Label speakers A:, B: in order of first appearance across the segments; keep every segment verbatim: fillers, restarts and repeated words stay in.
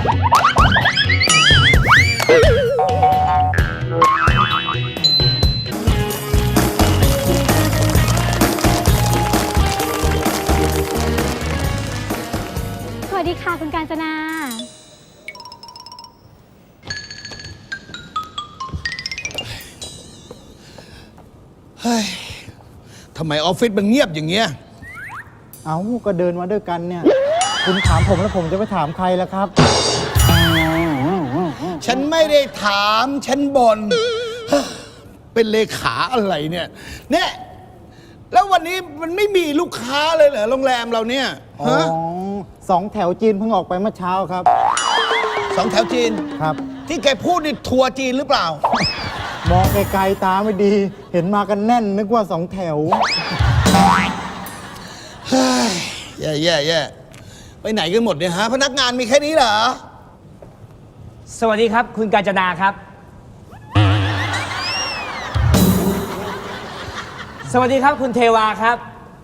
A: สวัสดีค่ะคุณกาญจนา
B: เฮ้ยทำไมออฟฟิศมันเงียบอย่างเงี้ย
C: เอาก็เดินมาด้วยกันเนี่ย คุณถามผมแล้วผมจะไปถามใครล่ะครับ
B: ฉันไม่ได้ถามฉันบน เป็นเลขาอะไรเนี่ยเนี่ยแล้ววันนี้มันไม่มีลูกค้าเลยเหรอโรงแรมเราเนี่ย
C: อ๋อ
B: ฮะ
C: สองแถวจีนเพิ่งออกไปเมื่อเช้าครับ
B: สองแถวจีน
C: ครับ
B: ที่แกพูดนี่ทัวร์จีนหรือเปล่า
C: มองไกลๆตาไม่ดี เห็นมากันแน่นนึกว่าสองแถว
B: เฮ้ยแย่แย่แย่ไปไหนกันหมดเนี่ยฮะพนักงานมีแค่นี้เหรอ
D: สวัสดีครับคุณกาญจนาครับ สวัสดีครับคุณเทวาครับ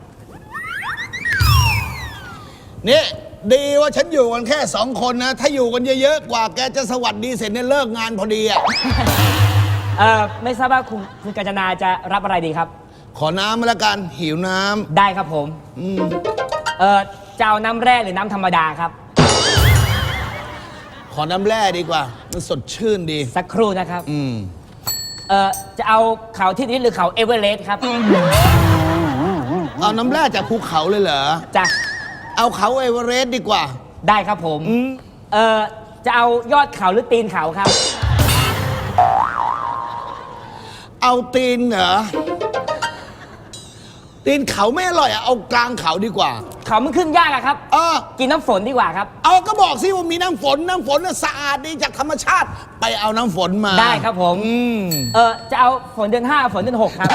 B: เนี่ยดีว่าฉันอยู่กันแค่สองคนนะ ถ้าอยู่กันเยอะๆกว่าแกจะสวัสดีเสร็จเนี่ยเลิกงานพอดีอ่ะ
D: เอ่อไม่ทราบว่าคุณคุณกาญจนาจะรับอะไรดีครับ
B: ขอน้ำมาละกันหิวน้ำ
D: ได้ครับผม
B: อืม
D: เอ่อจะเอาน้ำแร่หรือน้ำธรรมดาครับ
B: ขอน้ำแร่ดีกว่า มันสดชื่นดี
D: สักครู่นะครับ
B: อืม
D: เอ่อจะเอาเขาที่นี้หรือเขาเอเวอเรสต์ครับ
B: เอาน้ำแร่จากภูเขาเลยเหรอ
D: จะ
B: เอาเขาเอเวอเรสต์ดีกว่า
D: ได้ครับผม
B: อืม
D: เอ่อจะเอายอดเขาหรือตีนเขาครับ
B: เอาตีนเหรอ ตีนเขาไม่อร่อยอะเอากลางเขาดีกว่า
D: เขามันขึ้นยากอะครับ
B: เออ
D: กินน้ำฝนดีกว่าครับ
B: เอาก็บอกสิว่ามีน้ำฝน น้ำฝนน่ะสะอาดดีจากธรรมชาติ ไปเอาน้ำฝนมา
D: ได้ครับผม
B: อืม
D: เอ่อจะเอาฝนเดือนห้าฝนเดือนหกครับ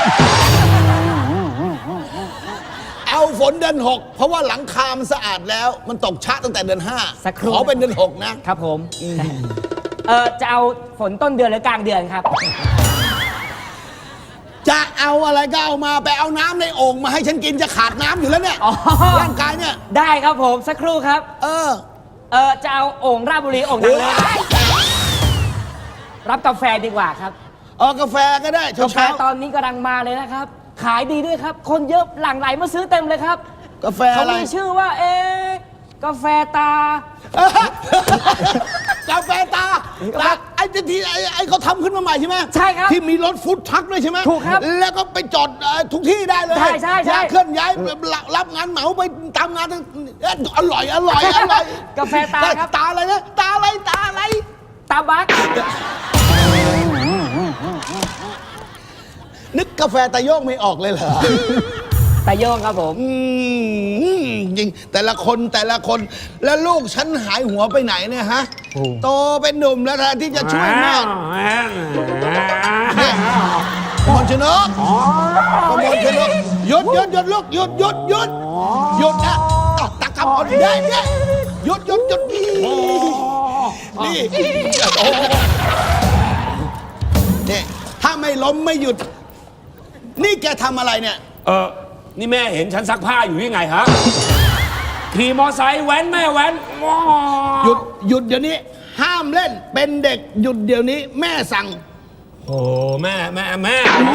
B: เอาฝนเดือนหกเพราะว่าหลังคา มันสะอาดแล้ว มันตกชะตั้งแต่เดือนห้า
D: สักครู่
B: ขอเป็นเดือนหกนะ
D: ครับผม เอ่อจะเอาฝนต้นเดือนหรือกลางเดือนครับ
B: จะเอาอะไรก็เอามาไปเอาน้ำในโอ่งมาให้ฉันกินจะขาดน้ำอยู่แล้วเนี่ย
D: อ๋อ
B: ร่างกายเนี่ย
D: ได้ครับผมสักครู่ครับ
B: เออ
D: เอ่อจะเอาโอ่งราชบุรีโอ่งดังเลยรับกาแฟดีกว่าครับ
B: เออกาแฟก็ได้
D: กาแฟ
B: เช้า
D: ตอนนี้กำลังมาเลยนะครับ ขายดีด้วยครับ คนเยอะหลั่งไหลมาซื้อเต็มเลยครับ
B: ๆกาแฟ
D: เขา
B: อะไร
D: มีชื่อว่าเอ๊ะกาแฟตา
B: กาแฟตาตาไอ้ที่ไอ้ไอ้เขาทำขึ้นมาใหม่ใช่ไหม
D: ใช่ครับ
B: ที่มีรถฟู้ดทรัคด้วยใช่ไหม
D: ถูกครับ
B: แล้วก็ไปจอดเอ่อทุกที่ได้เลย
D: ใช่ใช่ใช่
B: เคลื่อนย้ายรับรับงานเหมาไปตามงานทั้งเอ้ยอร่อยอร่อยอร่อย
D: กาแฟตาครับ
B: ตาอะไรนะตาอะไรตาอะไร
D: ตาบัก
B: นึกกาแฟตาโยกไม่ออกเลยเหรอ
D: ตาโยงครับผม
B: อืมจริงแต่ละคนแต่ละคนแล้วลูกฉันหายหัวไปไหนเนี่ยฮะ
C: โอ้
B: โตเป็นหนุ่มแล้วแทนที่จะช่วยแม่เนี่ยกมลชนกกมลชนกหยุดหยุดหยุดลูกหยุดหยุดหยุดหยุดนะอ่ะตะกำอ่อนได้เนี่ยหยุดหยุดหยุดนี่นี่โอ้เนี่ยถ้าไม่ล้มไม่หยุด นี่แกทำอะไรเนี่ย
E: เออนี่แม่เห็นฉันซักผ้าอยู่ยังไงฮะ ขี่มอไซค์แว้นแม่แว้นว้า
B: หยุดหยุดเดี๋ยวนี้ ห้ามเล่นเป็นเด็กหยุดเดี๋ยวนี้ แม่สั่ง
E: โอ้แม่แม่แม่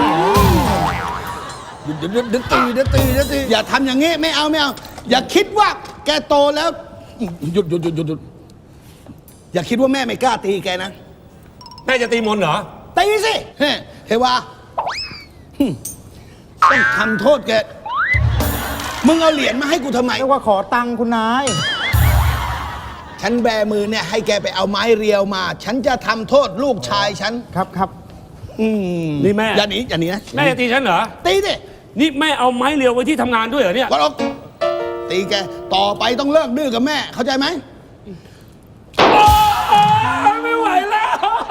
B: หยุดเดี๋ยวเดี๋ยวตีเดี๋ยวตีเดี๋ยวตีอย่าทำอย่างงี้ไม่เอาไม่เอา อย่าคิดว่าแกโตแล้ว หยุดหยุดหยุดหยุดหยุดอย่าคิดว่าแม่ไม่กล้าตีแกนะ
E: แม่จะตีมนต์เหรอ
B: ตีสิเฮ้เทวาหึต้องทำโทษแกมึงเอาเหรียญมาให้กูทำไม
C: เรียกว่าขอตังค์คุณนาย
B: ฉันแบมือเนี่ยให้แกไปเอาไม้เรียวมา ฉันจะทำโทษลูกชายฉัน
C: ครับครับ
B: อืม
E: นี่แม่
B: อย่าหนีอย่าหนีนะ
E: แม่จะตีฉันเหรอ
B: ตีดิ
E: นี่แม่เอาไม้เรียวไว้ที่ทำงานด้วยเหรอเนี่ย
B: วันออกตีแกต่อไปต้องเลิกดื้อกับแม่ เข้าใจไหม
E: ไม่ไหวแล้ว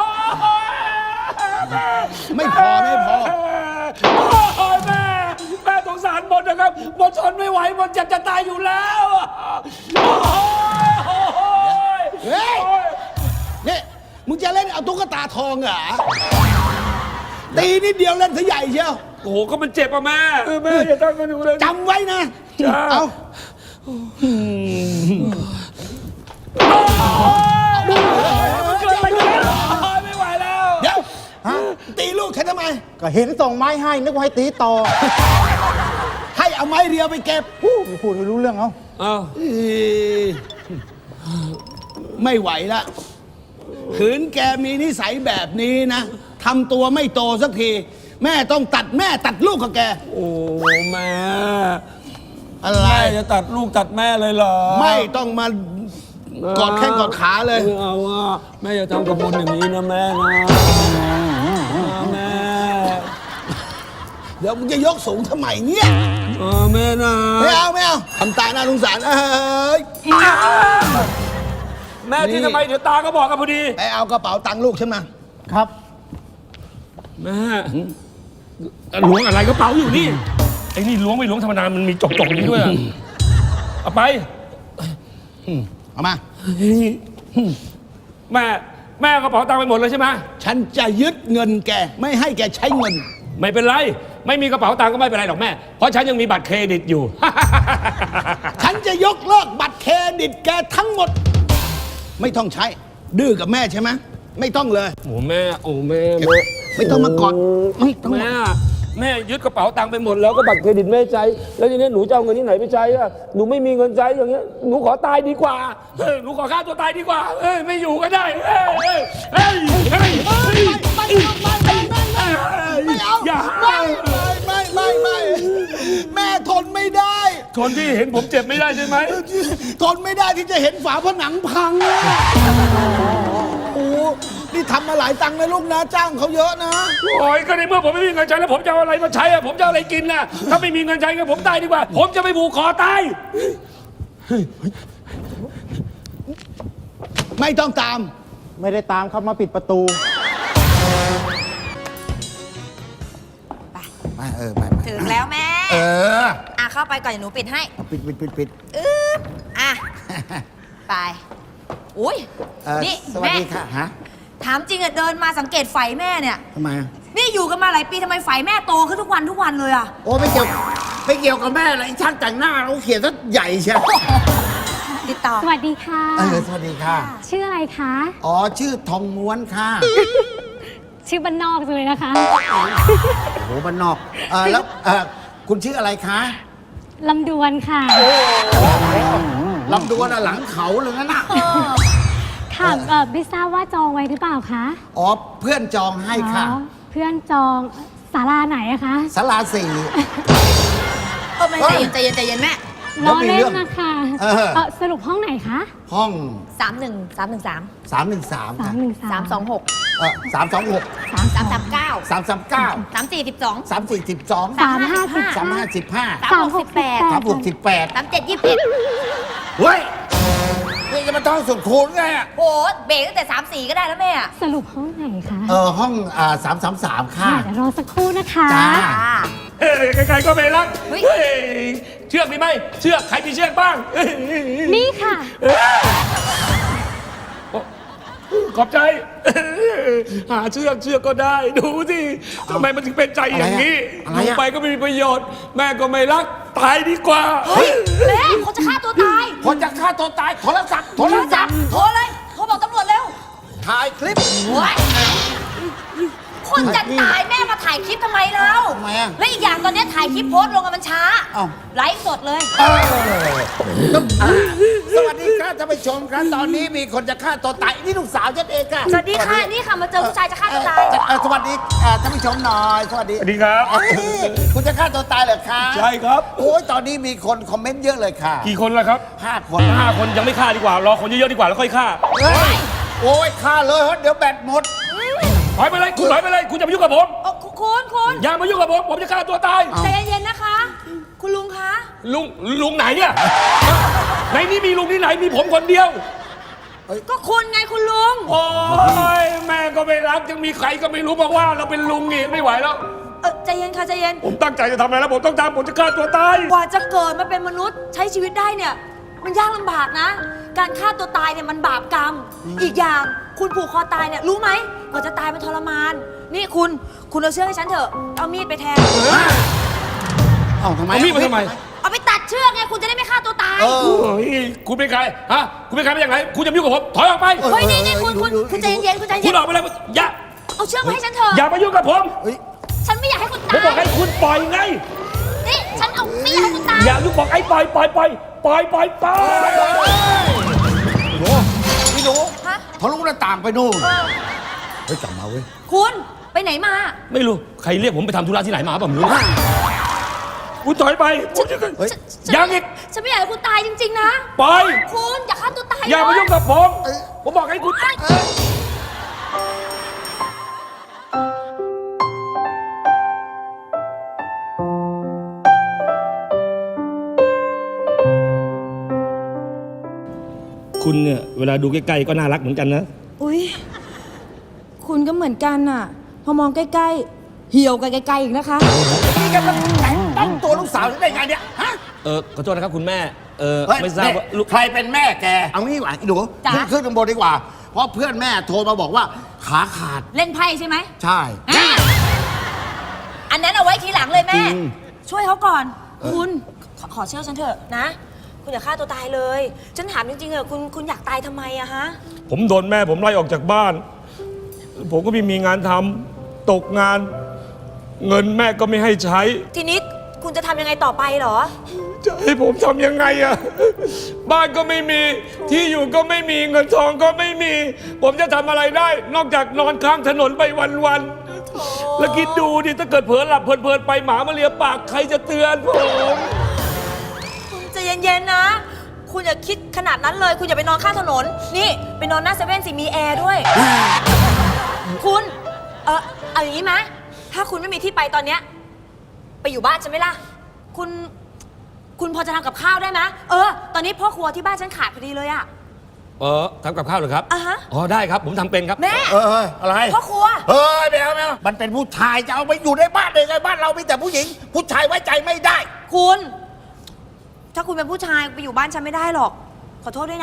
B: ไม่พอไม่พอ
E: โอ้ยแม่แม่สงสารบนนะครับบนทนไม่ไหวบนจะจะตายอยู่แล้วโอ้ย
B: เฮ้ยนี่มึงจะเล่นเอาตุ๊กตาทองเหรอตีนิดเดียวเล่นซะใหญ่เชียว
E: โอ้โหก็มันเจ็บอะแม่แม่อย่าทำกันหนูเลย
B: จำไว้นะ
E: จ้า
B: เอา
E: โอ้
C: ก็เห็นส่งไม้ให้นึกว่าให้ตีต่อ
B: ให้เอาไม้เรียวไปเก็บ
C: พูดพูดไม่รู้เรื่องเอา
E: เอ้า
B: เอ้ยไม่ไหวละขืนแกมีนิสัยแบบนี้นะทำตัวไม่โตสักที แม่ต้องตัดแม่ตัดลูกกับแก
E: โอ้แม่
B: อะไร
E: แม่จะตัดลูกตัดแม่เลยเหรอ
B: ไม่ต้องมากอดแข้งกอดขาเลย
E: ไม่เอาว่าแม่อย่าทำกับมนอย่างนี้นะแม่นะแม่
B: เดี๋ยวมึงจะยกสูงทำไมเนี่ย
E: เออแม่นะ
B: ไม่เอาไม่เอาทำตาหน้าสงสารเอ้ย
E: แม่ที่ทำไมเดี๋ยวตาก็บอกกันพอดี
B: ไปเอากระเป๋าตังค์ลูกฉันมา
C: ครับ
E: แม่ล้วงอะไรกระเป๋าอยู่นี่ไอ้นี่ล้วงไม่ล้วงธรรมดามันมีจกจกนี้ด้วยอะเอาไป
B: เอามา
E: แม่แม่เอากระเป๋าตังค์ไปหมดเลยใช่ไหม
B: ฉันจะยึดเงินแกไม่ให้แกใช้เงิน
E: ไม่เป็นไร ไม่มีกระเป๋าตังค์ก็ไม่เป็นไรหรอกแม่ เพราะฉันยังมีบัตรเครดิตอยู่
B: ฉันจะยกเลิกบัตรเครดิตแกทั้งหมด ไม่ต้องใช้ ดื้อกับแม่ใช่ไหมไม่ต้องเลย
E: โอ้แม่โอ้แม่แม่
B: ไม่ต้องมากอดไม่ต้อง
E: แม่แม่ยึดกระเป๋าตังค์ไปหมดแล้วก็บัตรเครดิตแม่ใช้แล้วทีนี้หนูจะเอาเงินที่ไหนไปใช้อะหนูไม่มีเงินใช้อย่างเงี้ยหนูขอตายดีกว่าเฮ้ยหนูขอฆ่าตัวตายดีกว่าเอ้ยไม่อยู่ก็ได้เอ้ยเอ้ยเอ้ยเอ้ยเอ้ย
B: ไม่ไม่ไม่ไม่ไม่ไม่เอา
E: อย่า
B: ไม่ไม่ไม่ไม่แม่ทนไม่ได้
E: คนที่เห็นผมเจ็บไม่ได้ใช่ไหม
B: ทนไม่ได้ที่จะเห็นฝาผนังพังอะโอ้นี่ทำมาหลายตังค์นะลูกนะจ้างเขาเยอะนะ
E: โอ้ยก็ในเมื่อผมไม่มีเงินใช้แล้วผมจะเอาอะไรมาใช้อะผมจะเอาอะไรกินน่ะถ้าไม่มีเงินใช้ก็ผมตายดีกว่า ผมจะไปผูกคอตาย
B: ไม่ต้องตาม
C: ไม่ได้ตามครับมาปิดประตู
B: ไปเออไปไป
A: ถึงแล้วแม่
B: เออ
A: อ่ะเข้าไปก่อนเดี๋ยวหนูปิดให้
B: เอาปิดปิดปิดปิด
A: อึ๊บอ่ะ ไป อุ้ย
B: เอ่อ
A: นี่
B: สวัส
A: แม่
B: ดีค่ะฮะ
A: ถามจริงอะเดินมาสังเกตไฟแม่เนี่ย
B: ทำไมอะ
A: นี่อยู่กันมาหลายปีทำไมไฟแม่โตขึ้นทุกวันทุกวันเลยอะ
B: โอ้ไม่เกี่ยวไม่เกี่ยวกับแม่เลยไอ้ช่างแต่งหน้าเราเขียนซะใหญ่เชียว
A: ติดต่อ
F: สวัสดีค่ะ
B: เออสวัสดีค่ะ
F: ชื่ออะไรคะ
B: อ๋อชื่อทองม้วนค่ะ
F: ชื่อบ้านนอกจังเลยนะคะ
B: โอ้โหบ้านนอกเออแล้วเออคุณชื่ออะไรคะ
F: ลำดวนค่ะ
B: ลำดวนอะหลังเขาเลยนะน่ะ
F: ค่ะเอ่อไม่ทราบว่าจองไว้หรือเปล่าคะ
B: อ๋อเพื่อนจองให้ค่ะ
F: อ๋อเพื่อนจองศาลาไหนอะคะ
B: สลาสี่
A: เออแม่ใจเย็นใจเย็นใจเย็นแม่
F: ล้อเล่
B: เรื่
F: น
B: อง
F: นะคะ
B: เออ
F: เอ่อสรุปห้องไหนคะ
B: ห้อง
A: สามหนึ่งสามหนึ่งสาม
B: สามหนึ่งสาม
F: สามหนึ่งสา
A: สาม มสองหก
B: เออสามสองหก
A: สามสามสามเก้า
B: สามสามเก้า
A: สามสี่สิบสอง
B: สามสี่สิบสอง
F: สามห้าสิบ
B: สามห้าสิบห้า
A: สามหกสิบแปด
B: สามหกสิบแปด
A: สามเจ็ดยี่สิบเอ็ด
B: เฮ้ยนี่จะมาท่องสุดคูณไงอ่ะ
A: โอ้เบรกตั้งแต่สามสี่ก็ได้แล้วแม่อะ
F: สรุปห้องไหนคะ
B: เออห้องอ่าสามสามสามค่ะ
F: เดี๋ยวรอสักครู่นะคะ
B: จ้า
A: อ่า
E: เฮ้ยใครๆก็ไม่รัก
A: เฮ้ย
E: เฮ้ยเชือกมีไหมเชือกใครมีเชือกบ้างเฮ้ย
F: นี่ค่ะ
E: ขอบใจ หาเชือกเชือกก็ได้ ดูสิทำไมมันถึงเป็นใจอย่างนี้
B: อะไร
E: ดู
B: อะ
E: ไปก็ไม่มีประโยชน์ แม่ก็ไม่รัก ตายดีกว่า
A: เฮ้ยแม่เขาจะฆ่าตัวตาย
B: คนจะฆ่าตัวตายโทรศัพท์โทรศัพท์
A: โทรเลยโทรบอกตำรวจเร็ว
B: ถ่ายคลิป
A: โอ้ยคนจะตายแม่มาถ่ายคลิปทำไมเรา
B: ทำไมอะ
A: และอีกอย่างตอนนี้ถ่ายคลิปโพสต์ลงกันมันช้า
B: เอ้า
A: ไลฟ์สดเลย
B: เอออ่าสวัสดีครับท่านผู้ชมครับตอนนี้มีคนจะฆ่าตัวตายนี่ลูกสาวฉันเองค่ะ
A: สวัสดีค่ะ นี่ค่ะมาเจอผู้ชายจะฆ่าตัวตาย
B: เอ่อเอ่อสวัสดีอ่าท่านผู้ชมหน่อยสวัสดี
E: สวัสดีครับ
B: เอ้ยคุณจะฆ่าตัวตายเหรอคะ
E: ใช่ครับ
B: โอ้ยตอนนี้มีคนคอมเมนต์เยอะเลยค่ะ
E: กี่คนแล้วครับ
B: ห้าคน
E: ห้าคนยังไม่ฆ่าดีกว่า รอคนเยอะๆดีกว่าแล้วค่อยฆ่า
B: เฮ้ยโอ้ยฆ่าเลยเฮ้ยเดี๋ยวแบตหมด
E: ถอยไปเลย คุณถอยไปเลย คุณจะมายุ่งกับผม
A: โอ้คุณคุณ
E: อย่ามายุ่งกับผม ผมจะฆ่าตัวตาย
A: ใจเย็นๆนะคะ คุณลุงคะ
E: ลุง ลุงไหนเนี่ยในนี้มีลุงที่ไหน มีผมคนเดียว
A: ก็คุณไงคุณลุง
E: โอ้ยแม่ก็ไม่รักยังมีใครก็ไม่รู้มาว่าเราเป็นลุงนี่ไม่ไหวแล้ว
A: เออใจเย็นค่ะใจเย็น
E: ผมตั้งใจจะทำอะไรแล้วผมต้องทำผมจะฆ่าตัวตาย
A: กว่าจะเกิดมาเป็นมนุษย์ใช้ชีวิตได้เนี่ย มันยากลำบากนะ การฆ่าตัวตายเนี่ยมันบาปกรรม อีกอย่างคุณผูกคอตายเนี่ยรู้ไหมกว่าจะตายมันทรมาน นี่คุณคุณเอาเชือกให้ฉันเถอะเอามีดไปแทง
B: เอ้าทำไม
E: เอามีดมาทำไม
A: เอาไปตัดเชือกไงคุณจะได้ไม่ฆ่าตัวตาย
B: เออ
E: โอ้ยคุณเป็นใคร ฮะ คุณเป็นใครมาจากไหน คุณจะมายุ่งกับผม ถอยออกไป
A: เฮ้ยนี่นี่คุณคุณคุณใจเย็นๆคุณใจ
E: คุ
A: เย็
E: ณ
A: น
E: ออกไปเลยอย่า
A: เอาเชือกมาให้ฉันเถอะ
E: อย่ามายุ่งกับผม
B: เฮ้ย
A: ฉัน
E: ผมบอกให้คุณปล่อยไง
A: นี่ฉันเอาไม่อยากให้คุณตาย
E: อย่ายุบบอกไอ้ปล่อยปล่อยปล่อยปล่อยปล่อยปล่อย
B: โอ้พี่หนู
A: ฮะ
B: ทะลุหน้าต่างไปนู่นเฮ้ยกลับมาเว้ย
A: คุณไปไหนมา
E: ไม่รู้ใครเรียกผมไปทำธุระที่ไหนมาผมรู้คุณถอยไปผมจะ
B: เฮ้ย
E: ยังอีก
A: ฉันไม่อยากให้คุณตายจริงๆนะ
E: ปล่อย
A: คุณอย่าฆ่าตัวตาย
E: อย่ามายุ่งกับผม ผมบอกให้คุณ คุณเนี่ยเวลาดูใกล้ๆก็น่ารักเหมือนกันนะ
A: อุ้ยคุณก็เหมือนกันน่ะ พอมองใกล้ๆ เหี่ยวกันไกลๆอีกนะคะ
B: นี่แกมาแต่งต้องตัวลูกสาวฉันได้ไงเนี่ยฮะ
E: เออขอโทษนะครับคุณแม่ เออ
B: เฮ้ย
E: ไม่ทราบว่าลูก
B: ใครเป็นแม่แก เอางี้ดีกว่าไอ้หนู
A: จ๊ะ
B: ขึ้นขึ้นข้างบนดีกว่า เพราะเพื่อนแม่โทรมาบอกว่าขาขาด
A: เล่นไพ่ใช่ไหม
B: ใช่
A: อ่ะอันนั้นเอาไว้ทีหลังเลยแม่
B: จริง
A: ช่วยเขาก่อน คุณขอขอเชื่อฉันเถอะนะ คุณอย่าฆ่าตัวตายเลย ฉันถามจริงๆเออะคุณคุณอยากตายทำไมอะฮะ
E: ผมโดนแม่ผมไล่ออกจากบ้าน ผมก็ไม่มีงานทำตกงาน เงินแม่ก็ไม่ให้ใช้
A: ทีนี้คุณจะทำยังไงต่อไปเหรอ
E: จะให้ผมทำยังไงอะบ้านก็ไม่มี ที่อยู่ก็ไม่มี เงินทองก็ไม่มี ผมจะทำอะไรได้ นอกจากนอนข้างถนนไปวันๆ แล้วคิดดูดิ ถ้าเกิดเผลอหลับเพลินๆไปหมามาเลียปาก ใครจะเตือนผม
A: คุณใจเย็นๆนะ คุณอย่าคิดขนาดนั้นเลย คุณอย่าไปนอนข้างถนน นี่ไปนอนหน้าเซเว่นสิมีแอร์ด้วย คุณ เออเอาอย่างนี้ไหมถ้าคุณไม่มีที่ไปตอนเนี้ย ไปอยู่บ้านฉันไหมล่ะ คุณ คุณพอจะทำกับข้าวได้ไหมเออ ตอนนี้พ่อครัวที่บ้านฉันขาดพอดีเลยอะ
E: เออทำกับข้าวเหรอครับ
A: อ่ะฮะ
E: อ๋อได้ครับ ผมทำเป็นครับ
A: แม่
B: เออเฮ้ยอะไร
A: พ่อครัว
B: เฮ้ยไม่เอาไม่เอามันเป็นผู้ชายจะเอาไปอยู่ในบ้านได้ไงบ้านเรามีแต่ผู้หญิง ผู้ชายไว้ใจไม่ได้
A: คุณ ถ้าคุณเป็นผู้ชายไปอยู่บ้านฉันไม่ได้หรอก ขอโทษด้วยนะ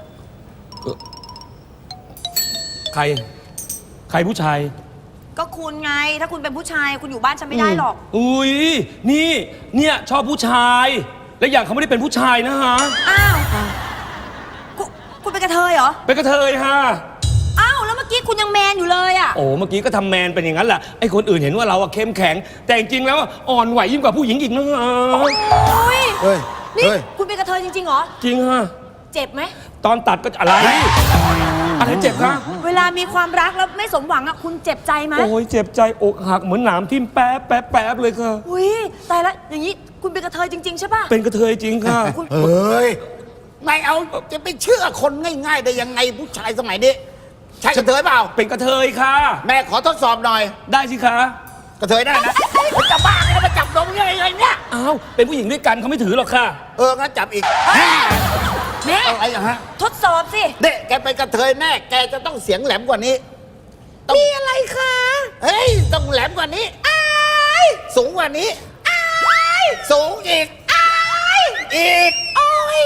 E: ใคร ใครผู้ชาย
A: ก็คุณไง ถ้าคุณเป็นผู้ชายคุณอยู่บ้านฉันไม่ได้หรอก
E: อุ้ย นี่ เนี่ยชอบผู้ชาย และอย่างเขาไม่ได้เป็นผู้ชายนะฮะ
A: อ้าวคุณคุณเป็นกระเทยเหรอ
E: เป็นกระเทยฮะ
A: อ้าวแล้วเมื่อกี้คุณยังแมนอยู่เลยอะ
E: โอ้เมื่อกี้ก็ทำแมนเป็นอย่างนั้นแหละ ไอ้คนอื่นเห็นว่าเราอะเข้มแข็ง แต่จริงๆแล้วอ่อนไหวยิ่งกว่าผู้หญิงอีกนะฮะ
A: โอ้ย
B: เฮ้ย
A: นี่
B: เฮ้ย
A: คุณเป็นกระเทยจริงๆเหรอ
E: จริงฮะ
A: เจ็บไหม
E: ตอนตัดก็อะไร อะไรเจ็บคะ
A: เวลามีความรักแล้วไม่สมหวังอะคุณเจ็บใจไหม
E: โอ้ยเจ็บใจอกหักเหมือนหนามทิ่มแป๊บแป๊บแป๊บเลยค่ะ
A: อุ้ยตายแล้วอย่างนี้คุณเป็นกระเทยจริง ๆ ใช่ป่ะ
E: เป็นกระเทยจริงค่ะ
A: คุณ
B: เฮ้ยไม่เอาจะไปเชื่อคนง่าย ๆ ได้ยังไงผู้ชายสมัยนี้ใช่กระเทยเปล่า
E: เป็นกระเทยค่ะ
B: แม่ขอทดสอบหน่อย
E: ได้สิคะ
B: กระเทยได้นะมันจะบ้าไงมาจับนมยังไงเนี่ย
E: อ้าว เป็นผู้หญิงด้วยกันเขาไม่ถือหรอกค่ะ
B: เอองั้นจับอีก
A: แม่
B: อะไรอย่างฮะ
A: ทดสอบสิ
B: เด็กแกเป็นกระเทยแน่แกจะต้องเสียงแหลมกว่านี้มีอะไรคะเฮ้ยต้องแหลมกว่านี้อ้ายสูงกว่านี้อ้ายสูงอีกอ้ายอีกโอ้ย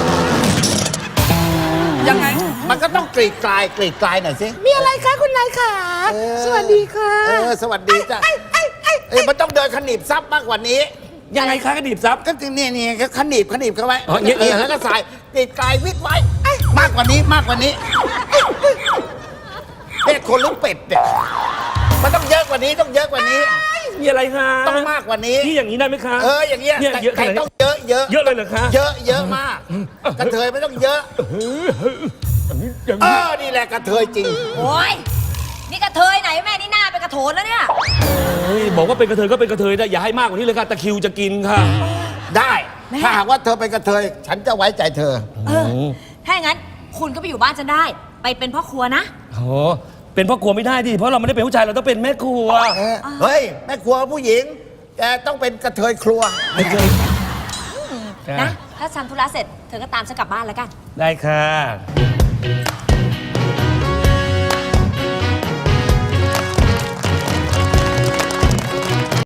B: ยังไงมันก็ต้องกรีดกลายกรีดกลายหน่อยสิมีอะไรคะคุณนายขาสวัสดีค่ะเออสวัสดีจ้ะเอ้ยมันต้องเดินขนีบซับมากกว่านี้
E: ยังไงคะกระดิบซับ
B: ก็นี่นี่ก็ขนีบขนีบเข้าไว้
E: อ๋ออย่างเงี้ย
B: แล้วก็ใส่กรีดกลายวิดไว้มากกว่านี้มากกว่านี้เป็ดคนหรือเป็ดเนี่ยมันต้องเยอะกว่านี้ต้องเยอะกว่านี้
E: มีอะไรคะ
B: ต้องมากกว่านี้
E: นี่อย่างนี้ได้ไหมคะ
B: เอออย่างเงี้ย
E: เนี่ยเยอะข
B: ไก่
E: นาดนี้
B: ต้องเยอะเยอะ
E: เยอะเลยเหรอคะ
B: เยอะเยอะมากกระเทยไม่ต้องเยอะ
E: อย่าง
B: เอ
E: นี้
B: อนี่แหละกระเทยจริง
A: โอ้ยนี่กระเทยไหนแม่นี่หน้าเป็นกระโถนแล้วเนี่ย
E: เฮ้ยบอกว่าเป็นกระเทยก็เป็นกระเทยได้อย่าให้มากกว่านี้เลยค่ะตะคริวจะกินค่ะ
B: ได้ถ้าหากว่าเธอเป็นกระเทยฉันจะไว้ใจเธอ
A: เออ ถ้าอย่างนั้นคุณก็ไปอยู่บ้านฉันได้ ไปเป็นพ่อครัวนะ
E: โอ้เป็นพ่อครัวไม่ได้ดิเพราะเราไม่ได้เป็นผู้ชายเราต้องเป็นแม่ครัว
B: เออเฮ้ยแม่ครัวผู้หญิงแกต้องเป็นกระเทยครัว
E: ไม่เคย
A: นะ ถ้าทำธุระเสร็จเธอก็ตามฉันกลับบ้านแล้วกัน
E: ได้ค่ะ